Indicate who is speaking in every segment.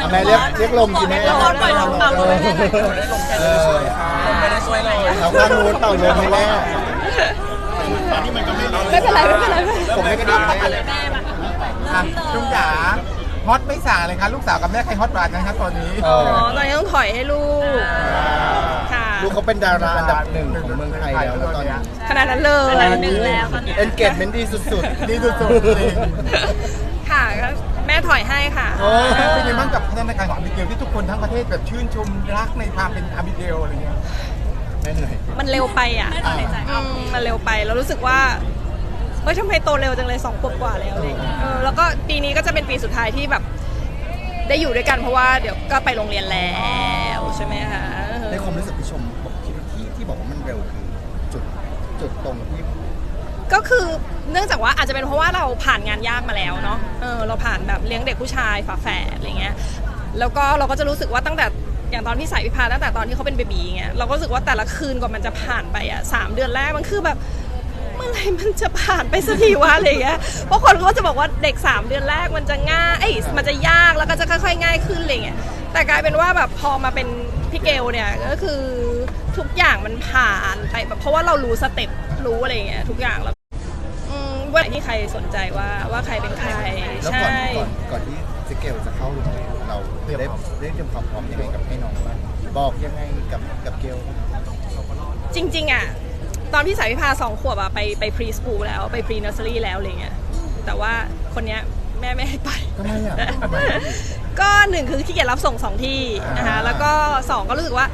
Speaker 1: แม่เรียกลมกินแม่
Speaker 2: ปล่อยลมเป่าลมให้แม่หน่อย
Speaker 3: ไม่ได้ช่วยเลย
Speaker 1: เราข้างนู้นเป่าลมให้แม่
Speaker 2: ไม่เป็นไรไม่เป็นไร
Speaker 1: ผมไม่กระดิ่งให้
Speaker 2: แม่มา
Speaker 3: ลุงจ๋าฮอตไม่ส่างเลยครับลูกสาวกับแม่ใครฮอตกว่ากันครับตอนนี้
Speaker 2: อ๋อตอนนี้ต้องถอยให้ลูกค่ะ
Speaker 1: ลูกเขาเป็นดาราอันดับหนึ่งของเมืองไทยแล้วนะตอนนี้
Speaker 2: ขนาดนั้นเลย
Speaker 1: เอนเกจเมนต์ดีสุดๆ
Speaker 3: ดีสุดๆจริง
Speaker 2: ค่ะก็แม่ถอยให้ค่ะ
Speaker 3: เป็นยังไงบ้างกับพัฒนาการของอาบิเกลที่ทุกคนทั้งประเทศแบบชื่นชมรักในความเป็นอาบิเกลอะไรเงี้ย
Speaker 1: แม่เหนื่อย
Speaker 2: มันเร็วไปอ่ะมันเร็วไปแล้วรู้สึกว่าเฮ้ยทำไมโตเร็วจังเลย2 ขวบกว่าแล้วอะไรอย่างเงี้ยแล้วก็ปีนี้ก็จะเป็นปีสุดท้ายที่แบบได้อยู่ด้วยกันเพราะว่าเดี๋ยวก็ไปโรงเรียนแล้วใช่ไหมคะ
Speaker 1: ในความรู้สึกพี่ชมบอกที่บอกว่ามันเร็วคือจุดตรงที่
Speaker 2: ก็คือเนื่องจากว่าอาจจะเป็นเพราะว่าเราผ่านงานยากมาแล้วเนาะเราผ่านแบบเลี้ยงเด็กผู้ชายฝาแฝดอะไรเงี้ยแล้วก็เราก็จะรู้สึกว่าตั้งแต่อย่างตอนพี่สายวิภาตั้งแต่ตอนที่เขาเป็นเบบีเงี้ยเราก็รู้สึกว่าแต่ละคืนกว่ามันจะผ่านไปอ่ะ3 เดือนแรกมันคือแบบเมื่อไหร่มันจะผ่านไปสักทีวะอะไรเงี้ยเพราะคนก็จะบอกว่าเด็ก3 เดือนแรกมันจะง่ายมันจะยากแล้วก็จะค่อยๆง่ายขึ้นอะไรเงี้ยแต่กลายเป็นว่าแบบพอมาเป็นพี่เกลเนี่ยก็คือทุกอย่างมันผ่านไปแบบเพราะว่าเรารู้สเต็ปรู้อะไรเงี้ยทุกอย่างแล้วว่าที่ใครสนใจว่าใครเป็นใคร
Speaker 1: แล้ว
Speaker 2: ใช่
Speaker 1: ก่อนที่เจเกลจะเข้าโรงเรียนเราได้เตรียมความพร้อมยังไงกับให้น้องบ้างบอกยังไงกับเกล
Speaker 2: จริงๆอ่ะตอนพี่สายวิภา2 ขวบอ่ะไปพรีสคูลแล้วไปพรีเนอร์เซอรี่แล้วอะไรเงี้ยแต่ว่าคนเนี้ยแม่ไม่ให้ไป
Speaker 1: ทำไมอ่ะ
Speaker 2: ก็1คือขี้เกียจรับส่ง2 ที่นะคะแล้วก็2ก็รู้สึกว่า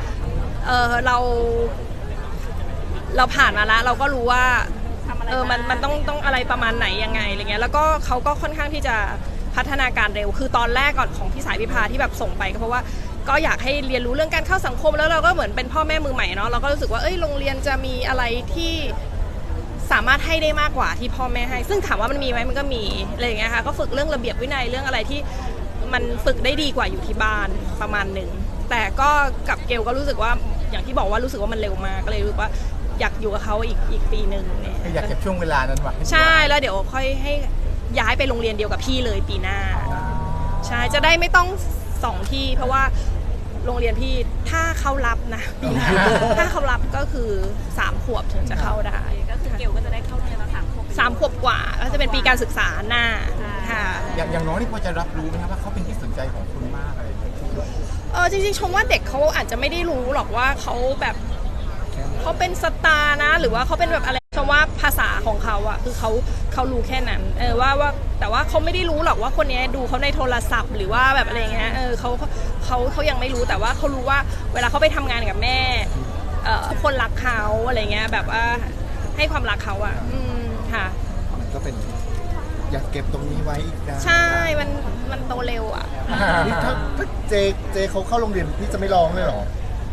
Speaker 2: เราผ่านมาแล้วเราก็รู้ว่ามันต้องอะไรประมาณไหนยังไงอะไรเงี้ยแล้วก็เขาก็ค่อนข้างที่จะพัฒนาการเร็วคือตอนแรกก่อนของพี่สายวิภาที่แบบส่งไปก็เพราะว่าก็อยากให้เรียนรู้เรื่องการเข้าสังคมแล้วเราก็เหมือนเป็นพ่อแม่มือใหม่เนาะเราก็รู้สึกว่าโรงเรียนจะมีอะไรที่สามารถให้ได้มากกว่าที่พ่อแม่ให้ซึ่งถามว่ามันมีไหมมันก็มีอะไรอย่างเงี้ยค่ะก็ฝึกเรื่องระเบียบวินัยเรื่องอะไรที่มันฝึกได้ดีกว่าอยู่ที่บ้านประมาณหนึ่งแต่ก็กับเกลก็รู้สึกว่าอย่างที่บอกว่ารู้สึกว่ามันเร็วมากก็เลยรู้สึกว่าอยากอยู่กับเขาอีกปีหนึ่งเนี่ย
Speaker 3: อยากเก็บช่วงเวลานั้นไว้
Speaker 2: ใช่แล้วเดี๋ยวค่อยให้ย้ายไปโรงเรียนเดียวกับพี่เลยปีหน้าใช่จะได้ไม่ต้อง2 ที่เพราะว่าโรงเรียนพี่ถ้าเขารับนะปีหน้าถ้าเขารับก็คือ3 ขวบถึงจะเข้าได้ก็คือเกลก็จะได้เข้าโรงเรียนมา3 ขวบกว่าก็จะเป็นปีการศึกษาหน้าค่ะ
Speaker 3: อย่างน้องนี่พอจะรับรู้ไหมครับว่าเขาเป็นที่สนใจของคุณมากอะไรอย่างเงี้ย
Speaker 2: จริงๆชมว่าเด็กเขาอาจจะไม่ได้รู้หรอกว่าเขาเป็นสตาร์นะหรือว่าเขาเป็นแบบอะไรชมว่าภาษาของเขาอะคือเขารู้แค่นั้นว่าแต่ว่าเขาไม่ได้รู้หรอกว่าคนนี้ดูเขาในโทรศัพท์หรือว่าแบบอะไรเงี้ยเขายังไม่รู้แต่ว่าเขารู้ว่าเวลาเขาไปทำงานกับแม่คนรักเขาอะไรเงี้ยแบบว่าให้ความรักเขาอะค่ะ
Speaker 1: มันก็เป็นอยากเก็บตรงนี้ไว้อีกนะ
Speaker 2: ใช่มันโตเร็วอะ
Speaker 1: นี่ถ้าเจเขาเข้าโรงเรียนพี่จะไม่ร้องเลยเหรอ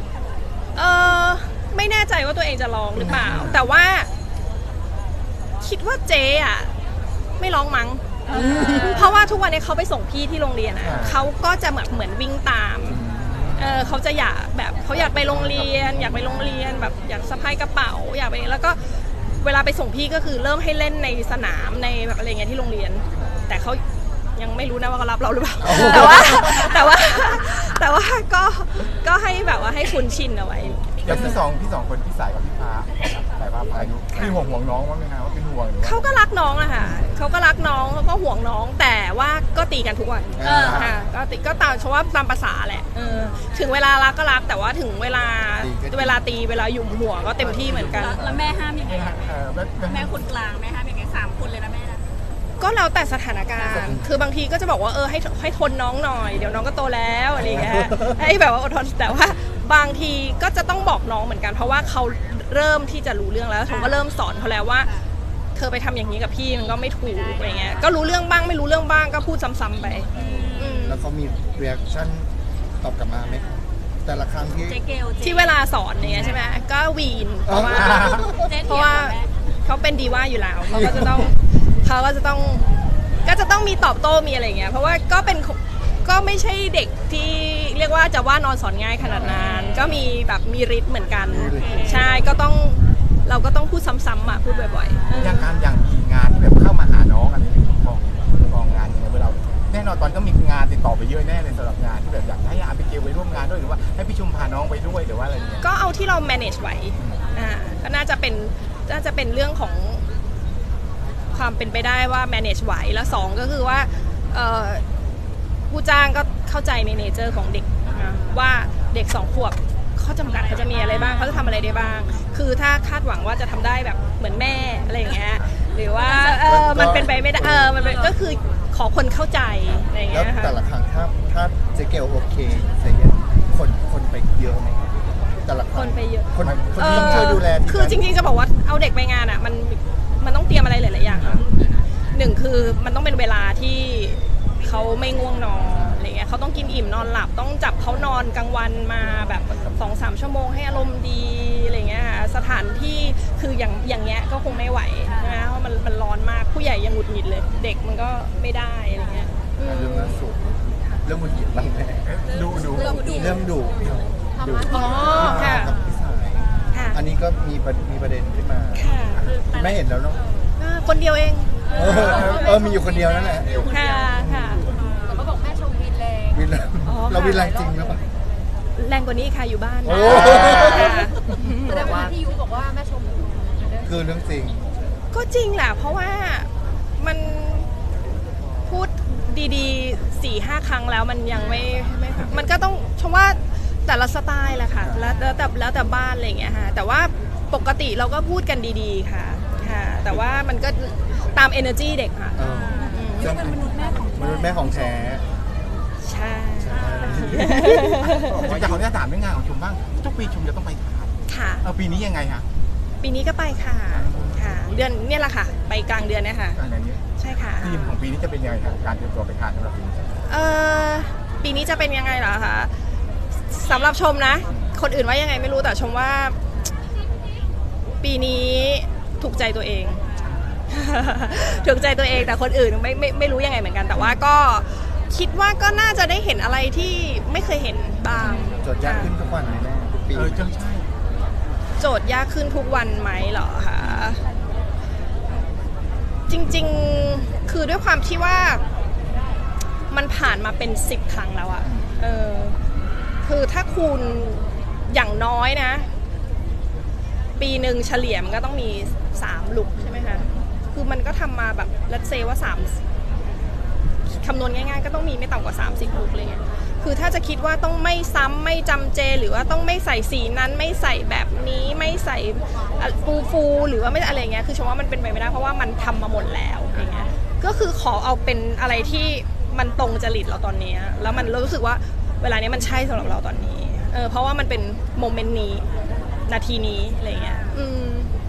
Speaker 2: ไม่แน่ใจว่าตัวเองจะร้องหรือเปล่าแต่ว่าคิดว่าเจ๊อะไม่ร้องมั้งเพราะว่าทุกวันนี้เขาไปส่งพี่ที่โรงเรียนอะเขาก็จะเหมือนวิ่งตามเขาจะอยากแบบเขาอยากไปโรงเรียนอยากไปโรงเรียนแบบอยากสะพายกระเป๋าอยากไปแล้วก็เวลาไปส่งพี่ก็คือเริ่มให้เล่นในสนามในแบบอะไรเงี้ยที่โรงเรียนแต่เขายังไม่รู้นะว่าเขารับเราหรือเปล่าแต่ว่าก็ให้แบบว่าให้คุ้นชินเอาไว้
Speaker 3: อย่างพี่สองคนพี่สายกับพี่ฟ้าสายฟ้าพายุพี่ห่วงน้องว่าไหมครับว่าเป็นห่วงหรือ
Speaker 2: เขาก็รักน้องอะค่ะเขาก็รักน้องเขาก็ห่วงน้องแต่ว่าก็ตีกันทุกวันค่ะก็ตามเพราะว่าตามภาษาแหละถึงเวลารักก็รักแต่ว่าถึงเวลาตีเวลาหยุ่มหัวก็เต็มที่เหมือนกัน
Speaker 4: แล้วแม่ห้ามยังไงแม่คนกลางแม่ห้ามยังไง3 คนเลยนะแม่นะ
Speaker 2: ก็แล้วแต่สถานการณ์คือบางทีก็จะบอกว่าให้ทนน้องหน่อยเดี๋ยวน้องก็โตแล้วอะไรเงี้ยให้แบบว่าอดทนแต่ว่าบางทีก็จะต้องบอกน้องเหมือนกันเพราะว่าเขาเริ่มที่จะรู้เรื่องแล้วผมก็เริ่มสอนเขาแล้วว่าเธอไปทำอย่างนี้กับพี่มันก็ไม่ถูกอะไรเงี้ยก็รู้เรื่องบ้างไม่รู้เรื่องบ้างก็พูดซ้ำๆไป
Speaker 1: แล้วเขามีเรีแอคชั่นตอบกลับมาไหมแต่ละครั้ง
Speaker 2: ที่เวลาสอนเนี่ยใช่ไหมก็วีนเพราะว่าเขาเป็นดีว่าอยู่แล้วเขาก็จะต้องมีตอบโต้มีอะไรเงี้ยเพราะว่าก็ไม่ใช่เด็กที่เรียกว่าจะว่านอนสอนง่ายขนาดนั้นก็มีแบบมีฤทธิ์เหมือนกันใช่เราก็ต้องพูดซ้ำๆอ่ะพูดบ่อย
Speaker 3: ๆอย่างมีงานที่แบบเข้ามาหาน้องอะไรกองงานเนี่ยเวลาแนะนอนตอนก็มีงานติดต่อไปเยอะแน่เลยสำหรับงานที่แบบอยากให้อาบิเกลไปร่วมงานด้วยหรือว่าให้พี่ชุมพาน้องไปด้วยหรือว่าอะไรอย่างเงี้ย
Speaker 2: ก็เอาที่เรา manage ไหวก็น่าจะเป็นเรื่องของความเป็นไปได้ว่า manage ไหวแล้วสองก็คือว่าผู้จ้างก็เข้าใจในเนเจอร์ของเด็กนะว่าเด็ก2 ขวบข้อจำกัดเขาจะมีอะไรบ้างเขาจะทำอะไรได้บ้าง คือถ้าคาดหวังว่าจะทำได้แบบเหมือนแม่อะไรอย่างเงี้ยหรือว่ามันเป็นไปไม่ได้มันเป็นก็คือขอคนเข้าใจอะไรอย่าง
Speaker 1: แล้ว
Speaker 2: เงี้ยค่ะ
Speaker 1: แต่ละครั้งถ้าเจ๊เกลโอเคเสียคนไปเยอะไหมครับแต่ละค
Speaker 2: ค
Speaker 1: รั้ง
Speaker 2: นไปเยอะ
Speaker 1: คนที่ต้องช่วยดูแลที่
Speaker 2: คือจริงๆจะบอกว่าเอาเด็กไปงานอ่ะมันต้องเตรียมอะไรหลายๆอย่างค่ะหนึ่งคือมันต้องเป็นเวลาที่เขาไม่ง่วงนอนอะไรเงี้ยเขาต้องกินอิ่มนอนหลับต้องจับเขานอนกลางวันมาแบบ 2-3 ชั่วโมงให้อารมณ์ดีอะไรเงี้ยค่ะสถานที่คืออย่างเงี้ยก็คงไม่ไหวใช่ไหมเพราะมันร้อนมากผู้ใหญ่ยังหงุดหงิดเลย เด็กมันก็ไม่ได้อะไรเงี้ย
Speaker 1: เรื่องล่าสุดเรื่องมุนหยิบบ้างไหม
Speaker 3: ดู
Speaker 1: เรื่องดุ
Speaker 2: อ๋อค่ะ
Speaker 1: กับพี่สาย
Speaker 2: ค่ะ
Speaker 1: อันนี้ก็มีประเด็นขึ้นมา
Speaker 2: ค่ะ
Speaker 1: ไม่เห็นแล้วเนาะ
Speaker 2: คนเดียวเอง
Speaker 1: มีอยู่คนเดียวนั่นแหละ
Speaker 2: ค่ะค่ะ
Speaker 4: แต่ก็บอกแม่ชมวินแรง
Speaker 1: วินแล้ว
Speaker 2: อ๋อค่ะ
Speaker 1: เราวินแรงจริงหรือเปล่า
Speaker 2: แรงกว่านี้ค่ะอยู่บ้าน
Speaker 1: โอ้
Speaker 2: ค่ะ
Speaker 4: แสดงว่าพี่ยุบอกว่าแม่ชม
Speaker 1: คือเรื่องจริง
Speaker 2: ก็จริงแหละเพราะว่ามันพูดดีๆ 4-5 ครั้งแล้วมันยังไม่มันก็ต้องชมว่าแต่ละสไตล์แหละค่ะแล้วแต่บ้านอะไรอย่างเงี้ยค่ะแต่ว่าปกติเราก็พูดกันดีๆค่ะค่ะ แต่ว่ามันก็ตาม energy เด็กค่ะ
Speaker 1: ซึ่งเป็นมนุษย์แม่ของแท้
Speaker 2: ใช่
Speaker 3: ผมจะขออนุญาตถามเรื่องงานของชุมบ้างทุกปีชุมจะต้องไปถ่าย
Speaker 2: ค่ะ
Speaker 3: ปีนี้ยังไงฮะ
Speaker 2: ปีนี้ก็ไปค่ะค่ะ เดือนเนี่ยแหละค่ะ ไปกลางเดือนเนี่ยค่ะ
Speaker 3: อะไรนี้
Speaker 2: ใช่ค่ะ
Speaker 3: ทีมของปีนี้จะเป็นยังไงครับการเตรียมตัวไปถ่ายสำหรับปีนี้
Speaker 2: ปีนี้จะเป็นยังไงเหรอคะสำหรับชมนะ คนอื่นว่ายังไงไม่รู้แต่ชมว่า ปีนี้ถูกใจตัวเอง ถูกใจตัวเองแต่คนอื่นไม่รู้ยังไงเหมือนกัน แต่ว่าก็คิดว่าก็น่าจะได้เห็นอะไรที่ไม่เคยเห็นบ้าง
Speaker 1: โจทย์ยากขึ้นทุกวันไหมแม่ทุกปี
Speaker 3: ใช่
Speaker 2: โจทย์ยากขึ้นทุกวันไหมเหรอคะจริงๆคือด้วยความที่ว่ามันผ่านมาเป็น10 ครั้งแล้วอะคือถ้าคูณอย่างน้อยนะ ปีหนึ่งเฉลี่ยมันก็ต้องมี3 ลุกใช่ไหมคะคือมันก็ทำมาแบบรัดเซว่าคำนวณง่ายๆก็ต้องมีไม่ต่ำกว่า30 ลุกเลยคือถ้าจะคิดว่าต้องไม่ซ้ำไม่จำเจหรือว่าต้องไม่ใส่สีนั้นไม่ใส่แบบนี้ไม่ใส่ฟูหรือว่าไม่อะไรเงี้ยคือชมว่ามันเป็นไปไม่ได้เพราะว่ามันทำมาหมดแล้วอย่างเงี้ยก็คือขอเอาเป็นอะไรที่มันตรงจริตเราตอนนี้แล้วมันรู้สึกว่าเวลานี้มันใช่สำหรับเราตอนนี้เพราะว่ามันเป็นโมเมนต์นี้นาทีนี้อะไรเงี้ย